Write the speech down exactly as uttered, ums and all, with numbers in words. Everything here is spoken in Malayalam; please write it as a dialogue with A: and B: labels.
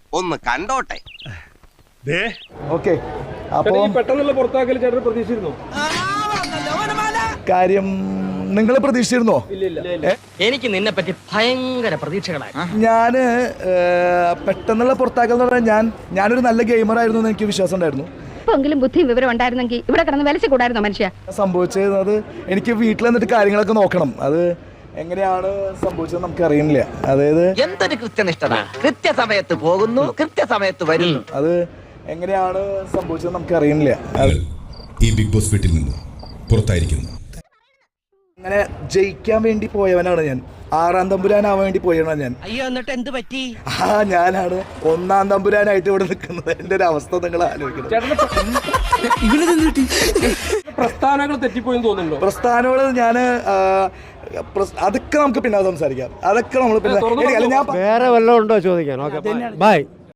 A: ഒന്ന് കണ്ടോട്ടെ.
B: ഓക്കെ, അപ്പോൾ
C: പെട്ടെന്നുള്ള പുറത്താക്കൽ ചേട്ടൻ പ്രതീക്ഷിച്ചിരുന്നു?
B: കാര്യം നിങ്ങൾ പ്രതീക്ഷിച്ചിരുന്നോ?
D: എനിക്ക് നിന്നെ പറ്റി ഭയങ്കര പ്രതീക്ഷകളായി.
B: ഞാൻ പെട്ടെന്നുള്ള പുറത്താക്കൽ എന്ന് പറഞ്ഞാൽ ഞാൻ ഞാനൊരു നല്ല ഗെയിമർ ആയിരുന്നു എന്ന് എനിക്ക് വിശ്വാസം ഉണ്ടായിരുന്നു.
E: എങ്കിലും ബുദ്ധിയും വിവരം ഉണ്ടായിരുന്നെങ്കിൽ ഇവിടെ കിടന്ന് വലിച്ചു കൂടായിരുന്നോ മനുഷ്യ?
B: സംഭവിച്ചത് എനിക്ക് വീട്ടിൽ വന്നിട്ട് കാര്യങ്ങളൊക്കെ നോക്കണം. അത് എങ്ങനെയാണ് സംഭവിച്ചത് നമുക്ക് അറിയുന്നില്ല. അതായത്
D: എന്തൊരു കൃത്യനിഷ്ഠത, കൃത്യസമയത്ത് പോകുന്നു, കൃത്യസമയത്ത് വരുന്നു.
B: അത് എങ്ങനെയാണ് സംഭവിച്ചത് നമുക്ക് അറിയുന്നില്ല.
F: ഈ ബിഗ് ബോസ് വീട്ടിൽ നിന്ന് പുറത്തായിരിക്കുന്നു.
B: അങ്ങനെ ജയിക്കാൻ വേണ്ടി പോയവനാണ് ഞാൻ. ആറാം തമ്പുരാനാവാൻ വേണ്ടി പോയവനാണ് ഞാൻ.
D: അയ്യോ, എന്നിട്ട് എന്ത് പറ്റി?
B: ആ ഞാനാണ് ഒന്നാം തമ്പുരാനായിട്ട് ഇവിടെ നിൽക്കുന്നത്. എന്റെ ഒരു അവസ്ഥ നിങ്ങൾ ആലോചിക്കണം.
C: പ്രസ്ഥാനങ്ങൾ തെറ്റിപ്പോയെന്ന് തോന്നുന്നുണ്ടോ?
B: പ്രസ്ഥാനങ്ങൾ ഞാൻ അതൊക്കെ നമുക്ക് പിന്നെ സംസാരിക്കാം. അതൊക്കെ നമ്മൾ പിന്നെ ഞാൻ
G: വേറെ വല്ലതും ഉണ്ടോ ചോദിക്കാൻ? Okay, by.